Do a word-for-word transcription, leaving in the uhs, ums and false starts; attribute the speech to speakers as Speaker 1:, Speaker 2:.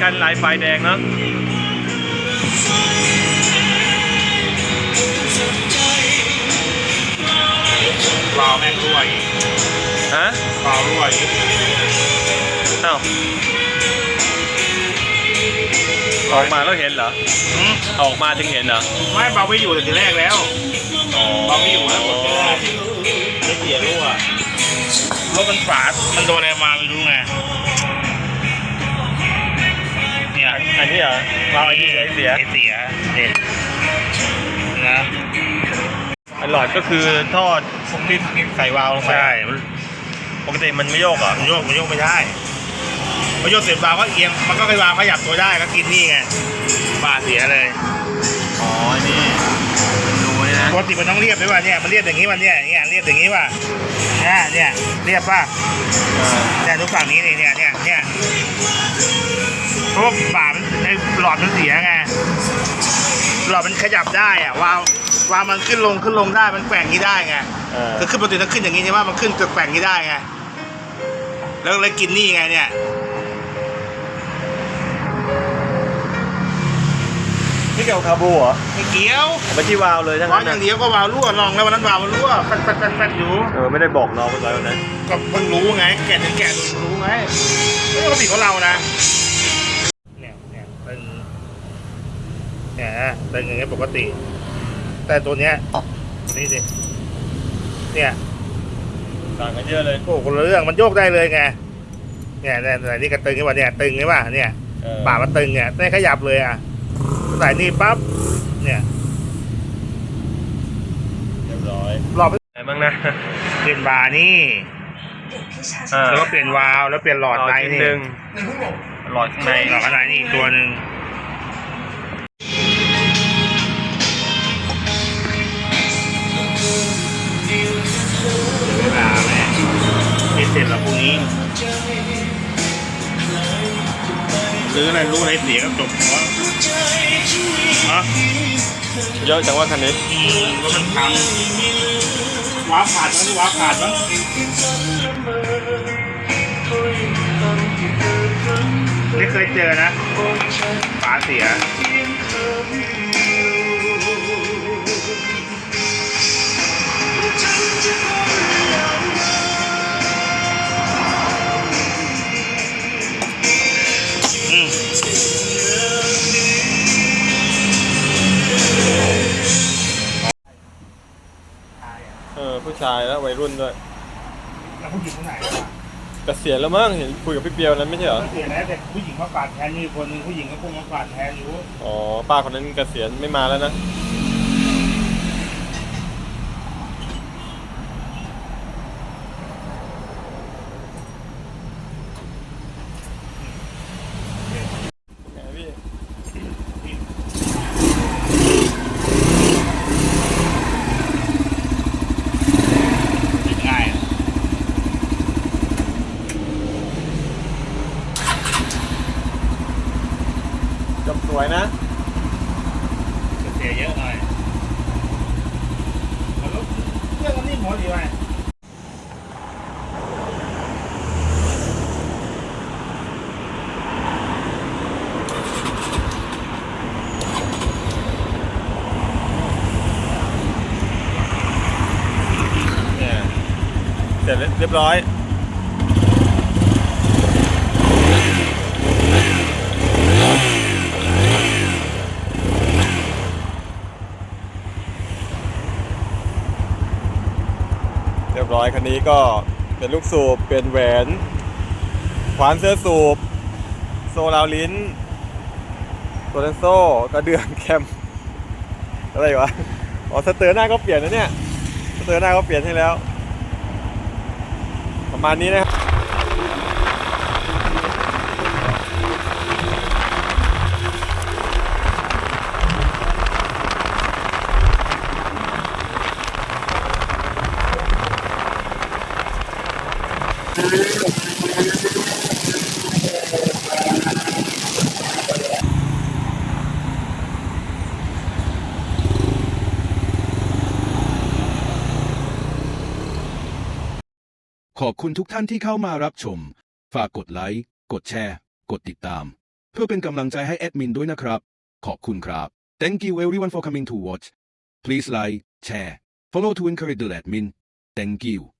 Speaker 1: กันลายไฟแดงเนาะ
Speaker 2: รอแม่งรั่วอีก
Speaker 1: ฮะ
Speaker 2: รอรั่วอีก
Speaker 1: อ้าวออกมาแล้วเห็นเหรอออกมาถึงเห็นเหรอ
Speaker 2: ไม่เบาไม่อยู่แต่ทีแรกแล้วเบาไม่อยู่แล้วกดไม่ได้ไม่เสียรั่วรถมันฝาดมันโดนอะไรมาไม่รู้ไงเนี่ย
Speaker 1: อันนี้เหรอเราไอ้นี่เสีย
Speaker 2: เสียเนี่ยนะ
Speaker 1: อันหลอดก็คือทอดที่ใส่วาล์วลงไป
Speaker 2: ใช่
Speaker 1: ปกติมันไม่โยกเหรอ
Speaker 2: มันโยกมันโยกไม่ได้มันโยกเสร็จวาล์วก็เอียงมันก็ไปวางขยับตัวได้ก็กินนี่ไงบาเสียเลย
Speaker 1: อ๋อนี่รู้นะ
Speaker 2: ปกติมันต้องเรียบไหมวะเนี่ยมันเรียบอย่างนี้วันเนี่ยเนี่ยเรียบอย่างนี้ว่ะเนี่ยเนี่ยเรียบป่ะเนี่ยทุกฝั่งนี้นี่เนี่ยเนี่ยเนี่ยเพราะว่าบามันไอ้หลอดมันเสียไงหลอดมันขยับได้อะวาล์ววาล์วมันขึ้นลงขึ้นลงได้มันแกว่งนี้ได้ไงคือขึ้นปกติถ้าขึ้นอย่างนี้ใช่ไหมมันขึ้นเกิดแกว่งนี้ได้ไงแล้วเลยกินนี่ไงเนี่ย
Speaker 1: นี่เกี่ยวกับคาบูเหรอ
Speaker 2: ไม่เกี่ยว
Speaker 1: ไปที่วาล์วเลยทั้งนั้น
Speaker 2: อย่างเดียวก็วาล์วรั่วลองแล้ววันนั้นวาล์วมันรั่วแฟดแฟดแฟดแฟดอยู่
Speaker 1: เออไม่ได้บอกน้องไว้วันนั้น
Speaker 2: ก็เพิ่งรู้ไงแกถึงแกรู้ไงไม่ปกติของเรานะเนี่ยเนี่ยเป็นเนี่ยเป็นอย่างเงี้ยปกติแต่ตัวเนี้ยนี่สิเนี่ย
Speaker 1: ต่างกันเยอะเลย
Speaker 2: โอ้คนละเรื่องมันโยกได้เลยไงเนี่ยเนี่ยนี่กระตึงใช่ป่ะเนี่ยตึงใช่ป่ะเนี่ยบ่ามันตึงเนี่ยได้ขยับเลยอ่ะใส่นี่ปั๊บเนี่ย
Speaker 1: เรียบร้อย
Speaker 2: รอบ
Speaker 1: ไหนบ้างนะ
Speaker 2: เปลี่ยนบาร์นี่แล้วก็เปลี่ยนวาล์วแล้วเปลี่ยนหลอดในนี่
Speaker 1: หลอดข้างใน
Speaker 2: หลอดข้างในนี่อีกตัวหนึ่งเวลาแม่ไม่เสร็จแล้วพรุ่งนี้หรืออะไรรู้อะไรเสียก็จบเพราะฮะ
Speaker 1: เยอะจังว่าคันนี้
Speaker 2: รถมันพังว้าขาดมั้ยว้าขาดมั้ยไม่เคยเจอนะฝาเสีย
Speaker 1: เออผู้ชายแล้ววัยรุ่นด้วย
Speaker 2: แล้วผู้หญิงคนไหน
Speaker 1: เกษียณแล้วมั้งเห็นคุยกับพี่เปียวนั้นไม่ใช่เหรอ
Speaker 2: เกษียณแล้วแต่ผู้หญิงมาฝาดแทนมีคนนึงผู้หญิงก็คงมาฝาดแทนอยู่
Speaker 1: อ๋อป้าคนนั้นเกษียณไม่มาแล้วนะจบสวยนะ
Speaker 2: เสียเยอะหน่อยแล้วเครื่องมันนิ่มหมดดีไหม
Speaker 1: เนี่ยเสร็จเรียบร้อยเรียบร้อยคันนี้ก็เป็นลูกสูบเป็นแหวนขวานเสื้อสูบโซลาวลิ้นตัวเลนโซ่กระเดื่องแคมอะไรวะอ๋อสเตอร์หน้าก็เปลี่ยนนะเนี่ยสเตอร์หน้าก็เปลี่ยนให้แล้วประมาณนี้นะครับ
Speaker 3: ขอบคุณทุกท่านที่เข้ามารับชม ฝากกดไลค์ กดแชร์ กดติดตามเพื่อเป็นกำลังใจให้แอดมินด้วยนะครับขอบคุณครับ Thank you everyone for coming to watch Please like share follow to encourage the admin Thank you